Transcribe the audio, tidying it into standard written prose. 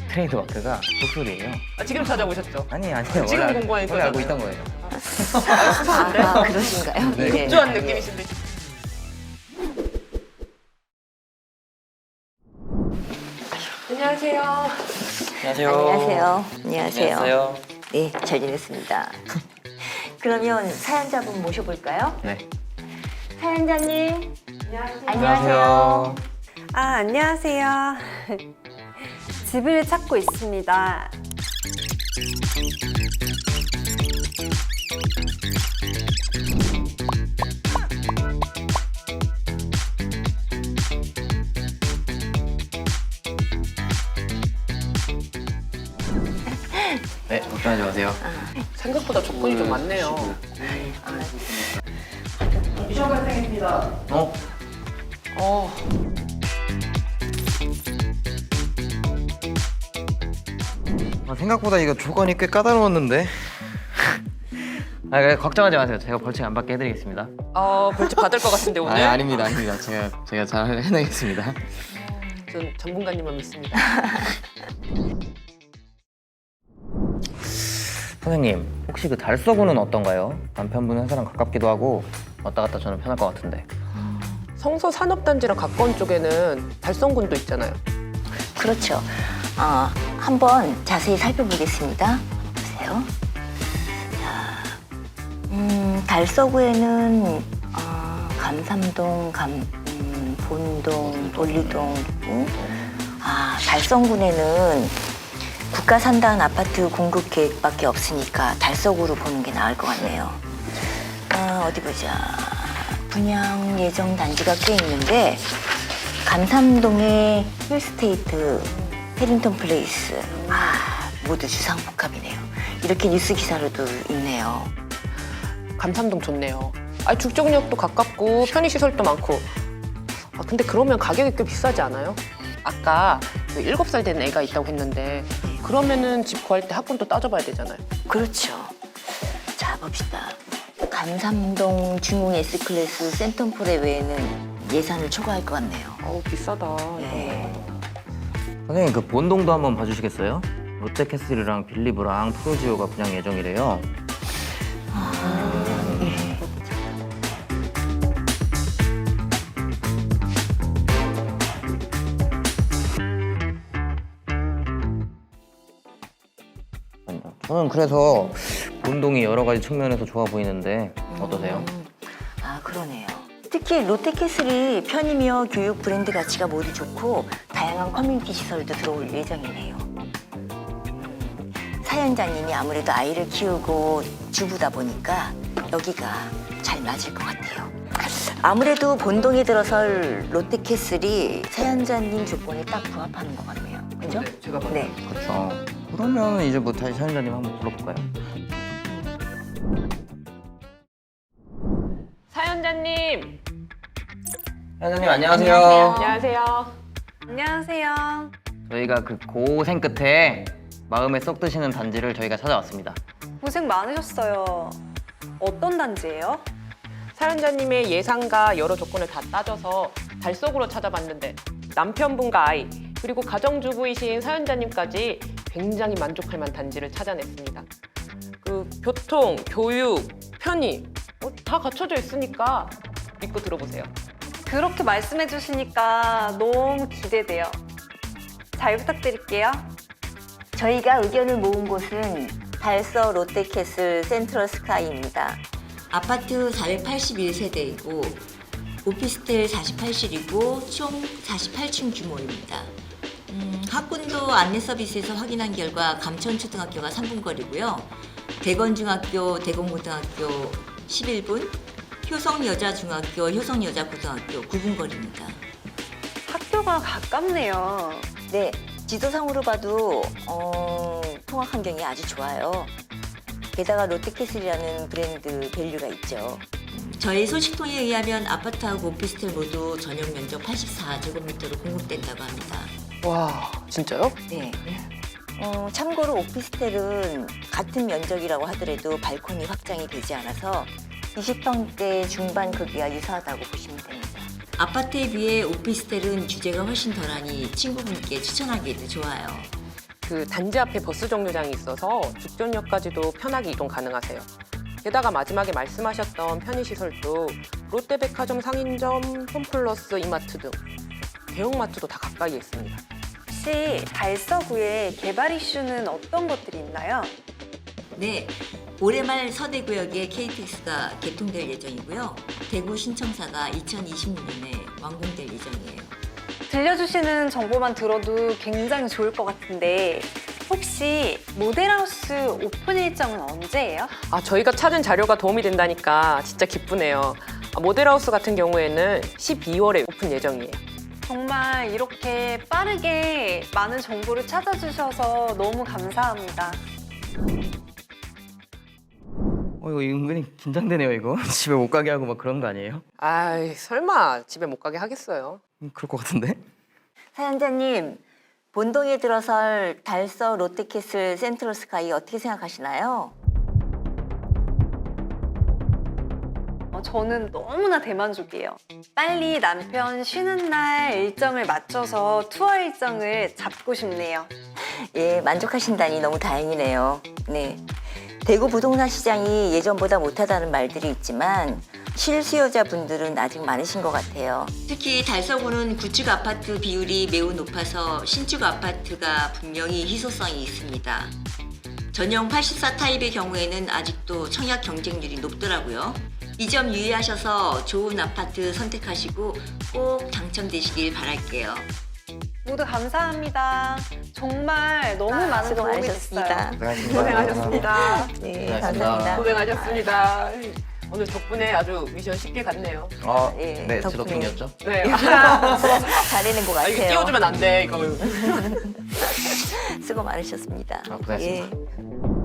트레이드 마크가 독수리예요. 아, 지금 찾아보셨죠? 아니에요. 지금 원래, 공부하니까 원래 알고 그러잖아요. 있던 거예요. 그러신가요? 네. 예. 급조한 느낌이신데. 안녕하세요. 안녕하세요. 안녕하세요. 안녕하세요. 안녕하세요. 네, 잘 지냈습니다. 그러면 사연자분 모셔볼까요? 네. 사연자님. 안녕하세요. 아, 안녕하세요. 집을 찾고 있습니다. 네, 걱정하지 마세요. 생각보다 조건이 좀 많네요. 어? 어, 생각보다 이거 조건이 꽤 까다로웠는데. 그래, 걱정하지 마세요. 제가 벌칙 안 받게 해드리겠습니다. 벌칙 받을 것 같은데 오늘. 아닙니다. 제가 잘 해내겠습니다. 전 전문가님만 믿습니다. 선생님, 혹시 그 달서구는 어떤가요? 남편분 회사랑 가깝기도 하고 왔다 갔다 저는 편할 것 같은데. 성서 산업단지랑 가까운 쪽에는 달성군도 있잖아요. 그렇죠. 한번 자세히 살펴보겠습니다. 보세요. 자, 달서구에는 감삼동, 본동, 올리동 있고, 달성군에는 국가 산다는 아파트 공급 계획밖에 없으니까 달서구로 보는 게 나을 것 같네요. 어디 보자. 분양 예정 단지가 꽤 있는데 감삼동의 힐스테이트, 해링턴 플레이스 모두 주상복합이네요. 이렇게 뉴스 기사로도 있네요. 감삼동 좋네요. 죽정역도 가깝고 편의시설도 많고. 근데 그러면 가격이 꽤 비싸지 않아요? 아까 그 7살 된 애가 있다고 했는데 그러면은 집 구할 때 학군도 따져봐야 되잖아요. 그렇죠. 자, 봅시다. 감삼동 중흥 S클래스 센텀폴의 외에는 예산을 초과할 것 같네요. 비싸다. 네. 선생님, 그 본동도 한번 봐주시겠어요? 롯데캐슬이랑 빌리브랑 프로지오가 분양 예정이래요. 저는 그래서 본동이 여러 가지 측면에서 좋아 보이는데 어떠세요? 그러네요. 특히 롯데캐슬이 편의며 교육 브랜드 가치가 모두 좋고 다양한 커뮤니티 시설도 들어올 예정이네요. 사연자님이 아무래도 아이를 키우고 주부다 보니까 여기가 잘 맞을 것 같아요. 아무래도 본동에 들어설 롯데캐슬이 사연자님 조건에 딱 부합하는 것 같네요. 그죠? 네, 제가 봐도. 네. 그렇죠. 그러면 이제 뭐 다시 사연자님 한번 불러볼까요? 사연자님. 사연자님 안녕하세요. 안녕하세요. 안녕하세요. 저희가 그 고생 끝에 마음에 쏙 드시는 단지를 저희가 찾아왔습니다. 고생 많으셨어요. 어떤 단지예요? 사연자님의 예상과 여러 조건을 다 따져서 달속으로 찾아봤는데 남편분과 아이 그리고 가정주부이신 사연자님까지 굉장히 만족할 만한 단지를 찾아냈습니다. 그 교통, 교육, 편의 다 갖춰져 있으니까 믿고 들어보세요. 그렇게 말씀해 주시니까 너무 기대돼요. 잘 부탁드릴게요. 저희가 의견을 모은 곳은 달서 롯데캐슬 센트럴 스카이입니다. 아파트 481세대이고 오피스텔 48실이고 총 48층 규모입니다. 학군도 안내 서비스에서 확인한 결과 감천초등학교가 3분 거리고요. 대건중학교, 대건고등학교 11분, 효성여자중학교, 효성여자고등학교 9분 거리입니다. 학교가 가깝네요. 네, 지도상으로 봐도 통학 환경이 아주 좋아요. 게다가 롯데캐슬이라는 브랜드 밸류가 있죠. 저희 소식통에 의하면 아파트하고 오피스텔 모두 전용 면적 84제곱미터로 공급된다고 합니다. 와, 진짜요? 네. 참고로 오피스텔은 같은 면적이라고 하더라도 발코니 확장이 되지 않아서 20평대 중반 크기와 유사하다고 보시면 됩니다. 아파트에 비해 오피스텔은 규제가 훨씬 덜하니 친구분께 추천하기에도 좋아요. 그 단지 앞에 버스 정류장이 있어서 죽전역까지도 편하게 이동 가능하세요. 게다가 마지막에 말씀하셨던 편의시설도 롯데백화점 상인점, 홈플러스, 이마트 등 대형마트도 다 가까이에 있습니다. 혹시 달서구에 개발 이슈는 어떤 것들이 있나요? 네, 올해 말 서대구역에 KTX가 개통될 예정이고요. 대구 신청사가 2026년에 완공될 예정이에요. 들려주시는 정보만 들어도 굉장히 좋을 것 같은데 혹시 모델하우스 오픈 일정은 언제예요? 저희가 찾은 자료가 도움이 된다니까 진짜 기쁘네요. 모델하우스 같은 경우에는 12월에 오픈 예정이에요. 정말 이렇게 빠르게 많은 정보를 찾아주셔서 너무 감사합니다. 이거 은근히 긴장되네요, 이거. 집에 못 가게 하고 막 그런 거 아니에요? 아이, 설마 집에 못 가게 하겠어요. 그럴 것 같은데? 사연자님, 본동에 들어설 달서 롯데캐슬 센트럴스카이 어떻게 생각하시나요? 저는 너무나 대만족이에요. 빨리 남편 쉬는 날 일정을 맞춰서 투어 일정을 잡고 싶네요. 예, 만족하신다니 너무 다행이네요. 네. 대구 부동산 시장이 예전보다 못하다는 말들이 있지만 실수요자분들은 아직 많으신 것 같아요. 특히 달서구는 구축 아파트 비율이 매우 높아서 신축 아파트가 분명히 희소성이 있습니다. 전용 84 타입의 경우에는 아직도 청약 경쟁률이 높더라고요. 이 점 유의하셔서 좋은 아파트 선택하시고 꼭 당첨되시길 바랄게요. 모두 감사합니다. 정말 너무 많은 수고 도움이 많으셨습니다. 됐어요. 고생하셨습니다. 네, 고생하셨습니다. 감사합니다. 고생하셨습니다. 오늘 덕분에 아주 미션 쉽게 갔네요. 예, 네, 제 덕분에. 덕분이었죠. 네. 잘해낸 것 이거 같아요. 띄워주면 안 돼, 이거. 수고 많으셨습니다. 고생하셨습니다. 예.